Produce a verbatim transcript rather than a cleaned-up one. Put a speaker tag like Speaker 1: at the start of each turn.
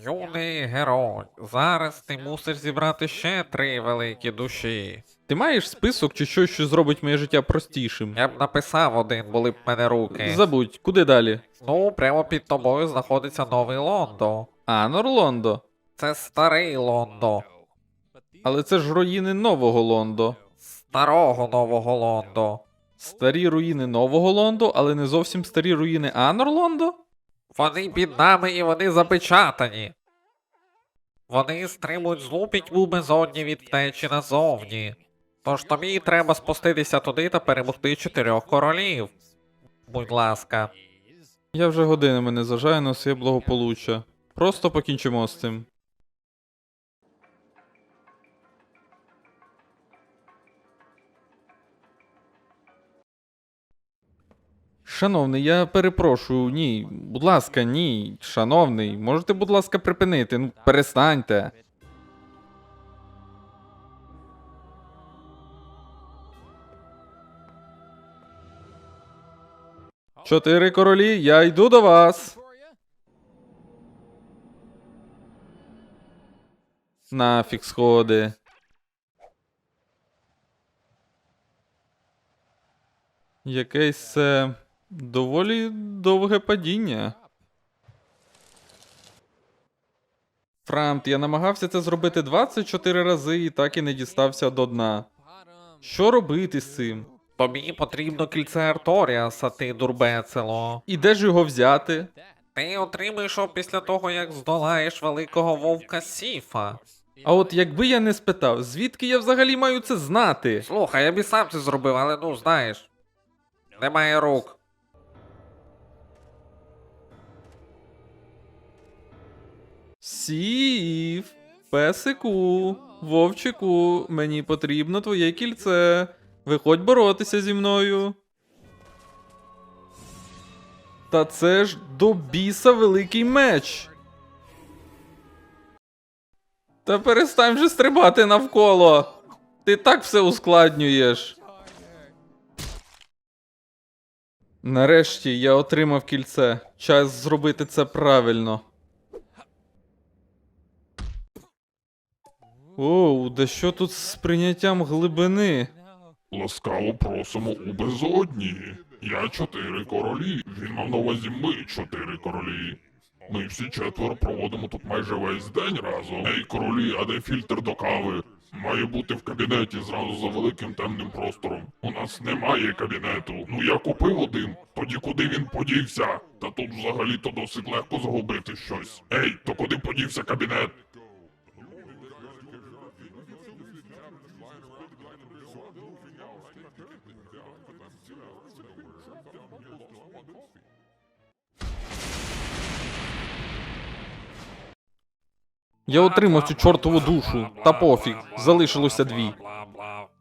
Speaker 1: Юний герой, зараз ти мусиш зібрати ще три великі душі.
Speaker 2: Ти маєш список чи щось, що зробить моє життя простішим?
Speaker 1: Я б написав один, були б в мене руки.
Speaker 2: Забудь, куди далі?
Speaker 1: Ну, прямо під тобою знаходиться новий Лондо.
Speaker 2: А, Норлондо.
Speaker 1: Це старий Лондо.
Speaker 2: Але це ж руїни нового Лондо.
Speaker 1: Старого нового Лондо.
Speaker 2: Старі руїни нового Лондо, але не зовсім старі руїни Анорлондо?
Speaker 1: Вони під нами і вони запечатані. Вони стримують злу пітьму безодні від втечі назовні. Тож тобі треба спуститися туди та перемогти чотирьох королів. Будь ласка.
Speaker 2: Я вже годинами не зажаю на своє благополуччя. Просто покінчимо з цим. Шановний, я перепрошую, ні. Будь ласка, ні. Шановний, можете, будь ласка, припинити? Ну, перестаньте. Чотири королі, я йду до вас. Нафіг сходи. Якесь це доволі довге падіння. Франт, я намагався це зробити двадцять чотири рази і так і не дістався до дна. Що робити з цим?
Speaker 1: Тобі потрібно кільце Арторіаса, ти дурбецело.
Speaker 2: І де ж його взяти?
Speaker 1: Ти отримаєш його після того, як здолаєш великого вовка Сіфа.
Speaker 2: А от якби я не спитав, звідки я взагалі маю це знати?
Speaker 1: Слухай, я б і сам це зробив, але ну знаєш. Немає рук.
Speaker 2: Сів, песику, вовчику, мені потрібно твоє кільце. Виходь боротися зі мною. Та це ж до біса великий меч. Та перестань вже стрибати навколо. Ти так все ускладнюєш. Нарешті я отримав кільце. Час зробити це правильно. Оу, да що тут з прийняттям глибини?
Speaker 3: Ласкаво просимо у безодні. Я чотири королі. Він мав на увазі ми чотири королі. Ми всі четверо проводимо тут майже весь день разом. Ей, королі, а де фільтр до кави? Має бути в кабінеті зразу за великим темним простором. У нас немає кабінету. Ну я купив один. Тоді куди він подівся? Та тут взагалі-то досить легко загубити щось. Ей, то куди подівся кабінет?
Speaker 2: Я отримав цю чортову душу. Та пофіг, залишилося дві.
Speaker 1: Бла-бла-бла.